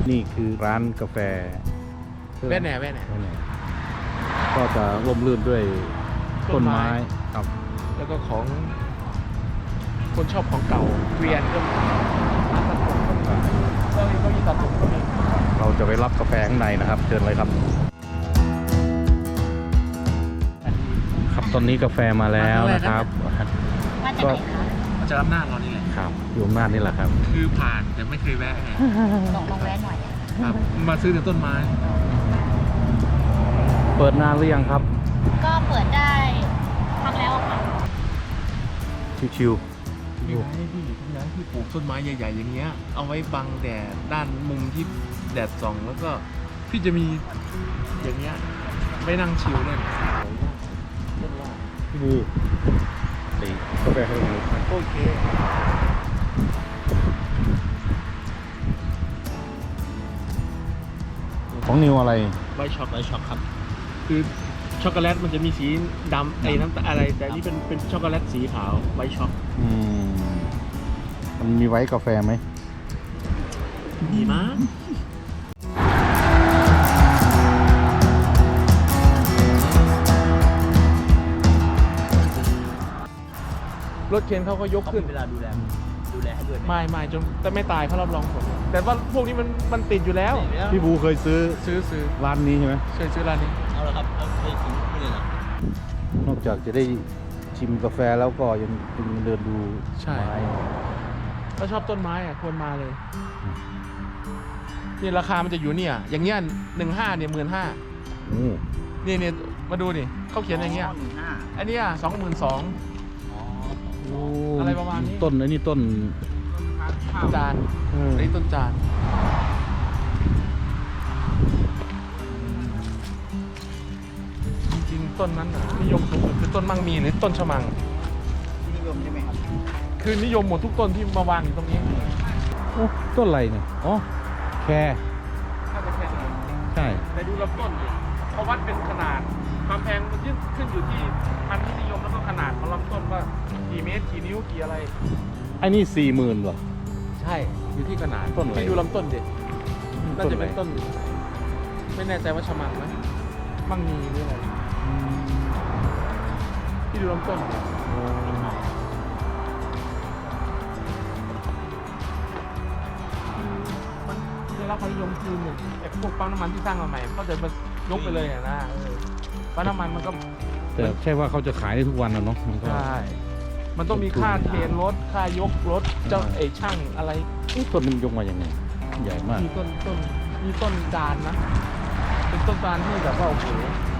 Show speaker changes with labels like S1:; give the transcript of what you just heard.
S1: นี่คือร้านกาแฟ
S2: แว่นแหน่
S1: ก็จะร่มรื่นด้วยต้นไม้ครับ
S2: แล้วก็ของคนชอบของเก่าเกวียนก็มีร้านตัดผมก็มีแล้วก็มีตัดผมก็มี
S1: เราจะไปรับกาแฟข้างในนะครับเชิญเลยครับครับตอนนี้กาแฟมาแล้วนะครับ
S3: มาจากไหนคะ
S2: มาจากอำนาจเรานี่แหละ
S1: ครับอยู่อำนาจนี่แหละครับ
S2: คือผ่านแต่ไม่เคยแวะไง
S3: ลองแวะหน่อยอะ
S2: ครับมาซื้อแต่ต้นไม้
S1: เปิดนานหรือยังครับ
S3: ก็เปิดได้พักแล้วอะค่ะ
S1: ชิว
S2: มีไม้ที่ปลูกต้นไม้ใหญ่ๆอย่างเงี้ยเอาไว้บังแดดด้านมุมที่แดดส่องแล้วก็พี่จะมีอย่างเงี้ยไม่นั่งชิลเล่น
S1: ๆพี่บูตีกาแฟให้ดู
S2: โอเค
S1: ของนิวอะไร
S2: ไวช็อกครับคือช็อกโกแลตมันจะมีสีดำไอ้น้ำตาลอะไรแต่อันนี่เป็นช็อกโกแลตสีขาวไวช็อก
S1: มันมีไว้กาแฟไหม
S2: ดีมากรถเข็นเขาก็ยกขึ้น
S4: เวลาดูแลให้ด้วยไหม
S2: ไม่จนแต่ไม่ตายเขารับรองผลแต่ว่าพวกนี้มันติดอยู่แล้ว
S1: พี่บูเคยซื้อ
S2: ซื้อ
S1: ร้านนี้ใช่ไหม
S2: เคยซื้อร้านนี้
S4: เอาละครับเราเคยถึงนี่เลยเหรอน
S1: อกจากจะได้ชิมกาแฟแล้วก็ยังเดินดู
S2: ใช่
S1: ไม้
S2: ถ้าชอบต้นไม้อะควรมาเลยนี่ราคามันจะอยู่เนี่ยอย่างเงี้ย15เนี่ย15,000
S1: โอ้
S2: นี่มาดูนี่เขาเขียนอย่างเงี้ย
S4: 15,000
S2: อันเนี้ย22,000
S4: อ๋อ
S2: อะไรประมาณนี้
S1: ต้นไอ้นี่ต้น
S2: จานอันนี้ต้นจานจริงๆต้นนั้นน่ะนิยมสูงสุดคือต้นมังมีหรือต้นชะมัง
S4: ที่นิยมใช่ไหมครับ
S2: คือนิยมหมดทุกต้นที่มาวางอยู่ตรงนี้
S1: โอ้ต้นอะไรเนี่ยอ๋อแคร์
S2: ถ้าจะแค่ไหน
S1: ใช่
S2: แต่ดูลำต้นดิเขาวัดเป็นขนาดความแพงมันยึดขึ้นอยู่ที่พันธุ์ที่นิยมแล้วก็ขนาดของลำต้นว่ากี่เมตรกี่นิ้วกี่อะไร
S1: ไอ้นี่40,000เหรอ
S2: ใช่อยู่ที่ขนาด
S1: ต้นอะไร
S2: ที่ดูลำต้นดิน่าจะเป็นต้น ไม่แน่ใจว่าชะมังไหมมังมีหรืออะไรที่ดูลำต้นดิมันได้รับความนิยมคือหนึ่งไอ้พวกปั๊มน้ำมันที่สร้างมาใหม่เขาจะมายกไปเลยอะนะปั๊มน้ำมันมันก็
S1: แต่ใช่ว่าเขาจะขายได้ทุกวันนะเนาะมันก็
S2: ใช่ มันต้องมีค่าเทรนรถ ค่ายกรถ เจ้าไอ้ช่างอะไร
S1: ต้นนี้มันยกมาอย่างไงใหญ่มาก
S2: มีต้นจานนะ เป็นต้นจานที่แบบว่าโอ้โห